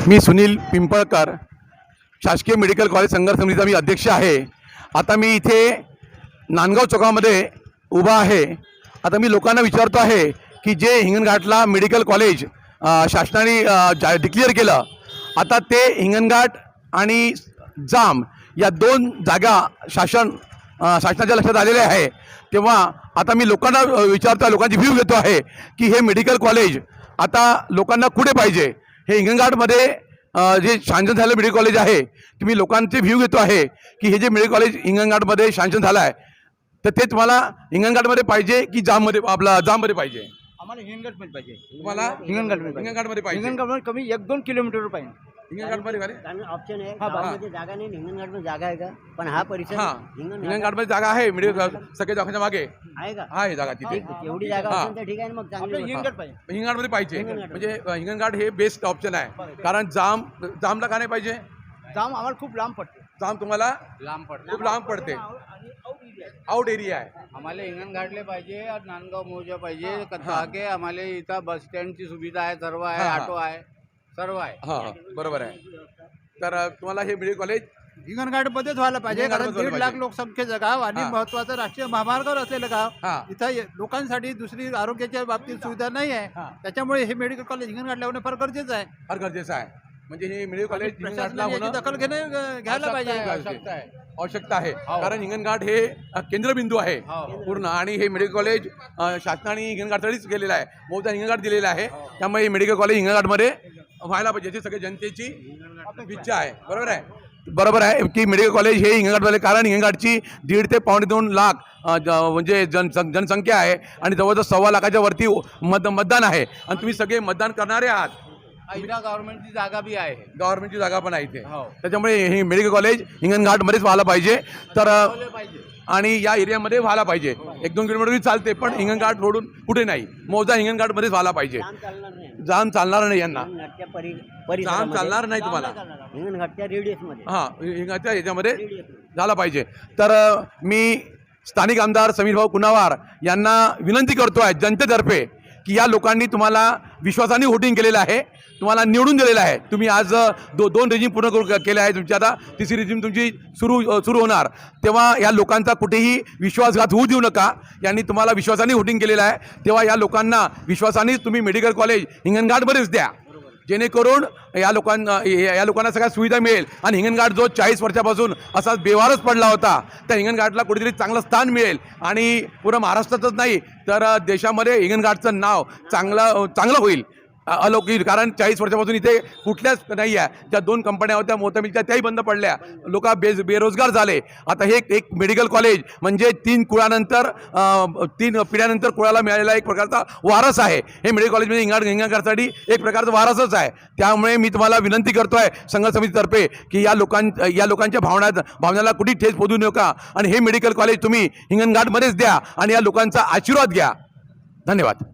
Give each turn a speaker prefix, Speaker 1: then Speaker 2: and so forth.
Speaker 1: मी सुनील पिंपळकर, शासकीय medical college संघर्ष समितीचा मी अध्यक्ष आहे। आता मी इथे नांदगाव चौकामध्ये उभा आहे। आता मी लोकांना विचारतो आहे की जे हिंगणघाटला मेडिकल कॉलेज शासनाने डिक्लेअर केलं, आता ते हिंगणघाट आणि जाम या दोन जागा शासनाच्या लक्षात आलेले आहे। तेव्हा आता मी लोकांना विचारतो, लोकांची व्ह्यू घेतो आहे की हे मेडिकल कॉलेज आता लोकांना कुठे पाहिजे। हे हिंगणघाटमध्ये जे शांशन झालं मेडिकल कॉलेज आहे, तुम्ही लोकांचे व्ह्यू घेतो आहे की हे जे मेडिकल कॉलेज हिंगणघाटमध्ये शांशन झालं आहे, तर ते तुम्हाला हिंगणघाटमध्ये पाहिजे की जाममध्ये, आपला जाममध्ये पाहिजे?
Speaker 2: आम्हाला हिंगणघाटमध्ये पाहिजे।
Speaker 1: तुम्हाला हिंगणघाटमध्ये पाहिजे?
Speaker 2: हिंगणघाटमध्ये कमी 1-2 किलोमीटर पाहिजे।
Speaker 1: हिंगणघाटमध्ये का रे?
Speaker 3: ऑप्शन आहे, गावामध्ये जागा नाही, हिंगणघाटमध्ये जागा आहे का? पण हा परिसर
Speaker 1: हिंगणघाटमध्ये जागा आहे, मेडिकल सगळे दवाखान्याच्या मागे
Speaker 3: आहे का?
Speaker 1: आहे जागा तिथे।
Speaker 3: एवढी जागा असेल तर ठीक आहे ना, मग चांगली
Speaker 2: हिंगणघाट पाहिजे।
Speaker 1: हिंगणघाटमध्ये पाहिजे म्हणजे हिंगणघाट हे बेस्ट ऑप्शन आहे। कारण जामला का नाही पाहिजे?
Speaker 2: जाम आम्हाला खूप लांब पडते।
Speaker 1: जाम तुम्हाला
Speaker 2: लांब पडते,
Speaker 1: खूप लांब पडते, आउट एरिया आहे।
Speaker 4: आम्हाला हिंगणघाटले पाहिजे और नांदगाव मोजा पाहिजे ताकि आम्हाला इथं बस स्टँडची सुविधा आहे, सर्व आहे, ऑटो आहे, सर्व आहे।
Speaker 1: हां बरोबर आहे। तर तुम्हाला हे मेडिकल कॉलेज
Speaker 2: हिंगणघाटमध्येच व्हायला पाहिजे, कारण
Speaker 1: हिंगणघाटमध्ये
Speaker 2: 1.5 लाख लोकसंख्येचं गाव आणि
Speaker 1: हां.
Speaker 2: महत्वाचं राष्ट्रीय महामार्गावर असलेलं गाव।
Speaker 1: हां
Speaker 2: इथं लोकांसाठी दुसरी आरोग्याच्या बाबतीत सुविधा नाही आहे,
Speaker 1: हां.
Speaker 2: त्याच्यामुळे हे मेडिकल कॉलेज हिंगणघाटला होणं फार गरजेचं आहे।
Speaker 1: फार गरजेचं आहे। म्हणजे हे मेडिकल कॉलेज हिंगणघाटला
Speaker 2: प्रशासनाने याची
Speaker 1: होणं
Speaker 2: दखल घ्यायला पाहिजे।
Speaker 1: आवश्यकता आहे। कारण हिंगणघाट हे केंद्रबिंदू आहे पूर्ण, आणि हे मेडिकल कॉलेज शासनाने हिंगणघाटसाठीच केलेलं आहे, बहुधा हिंगणघाट दिलेलं आहे। त्यामुळे हे मेडिकल कॉलेज हिंगणघाटमध्ये व्हायला पाहिजे, याची सगळी जनतेची इच्छा आहे। बरोबर आहे, बरोबर आहे की मेडिकल कॉलेज हे हिंगणघाटमध्ये, कारण हिंगणघाटची 1.5 ते 2.25 लाख म्हणजे जनसंख्या आहे आणि जवळजवळ 1.25 लाखाच्या वरती मतदान आहे, आणि तुम्ही सगळे मतदान करणारे आहात।
Speaker 4: इथं गव्हर्नमेंटची जागा बी आहे,
Speaker 1: गव्हर्नमेंटची जागा पण आहे इथे,
Speaker 4: हो.
Speaker 1: त्याच्यामुळे हे मेडिकल कॉलेज हिंगणघाटमध्येच व्हायला पाहिजे। तर आणि या एरियामध्ये व्हायला पाहिजे, 1-2 किलोमीटर चालते, पण हिंगणघाट रोडून कुठे नाही, मौजा हिंगणघाटमध्येच व्हायला पाहिजे। जाम चालणार नाही यांना, जाम चालणार नाही तुम्हाला,
Speaker 3: हिंगणघाटच्या रेडियसमध्ये,
Speaker 1: हां हिंगणघाटच्या याच्यामध्ये झाला पाहिजे। तर मी स्थानिक आमदार समीर भाऊ कुणावार यांना विनंती करतो आहे जनतेतर्फे की या लोकांनी तुम्हाला विश्वासाने वोटिंग केलेलं आहे, तुम्हाला निवडून दिलेलं आहे। तुम्ही आज दोन रेजिम पूर्ण केले आहे, तुमची आता तिसरी रेजिम तुमची सुरू होणार, तेव्हा या लोकांचा कुठेही विश्वासघात होऊ देऊ नका। यांनी तुम्हाला विश्वासाने वोटिंग केलेलं आहे, तेव्हा या लोकांना विश्वासाने तुम्ही मेडिकल कॉलेज हिंगणघाटमध्येच द्या, जेणेकरून या लोकांना सगळ्या सुविधा मिळेल। आणि हिंगणघाट जो 40 वर्षापासून असाच बेवारच पडला होता, त्या हिंगणघाटला कुठेतरी चांगलं स्थान मिळेल, आणि पूर्ण महाराष्ट्रातच नाही तर देशामध्ये हिंगणघाटचं नाव चांगलं होईल, अलौकिक। कारण 40 वर्षापासून इथे कुठल्याच नाही आहे, ज्या 2 कंपन्या होत्या मोठ्या त्याही बंद पडल्या, लोक बेरोजगार झाले। आता हे एक मेडिकल कॉलेज म्हणजे 3 पिढ्यानंतर कुळाला मिळालेला एक प्रकारचा वारस आहे। हे मेडिकल कॉलेज म्हणजे हिंगणघाटसाठी एक प्रकारचा वारसच आहे। त्यामुळे मी तुम्हाला विनंती करतो आहे संघर्ष समितीतर्फे की या लोकांच्या भावनाला कुठे ठेच पोहोचू नका, आणि हे मेडिकल कॉलेज तुम्ही हिंगणघाटमध्येच द्या आणि या लोकांचा आशीर्वाद घ्या। धन्यवाद।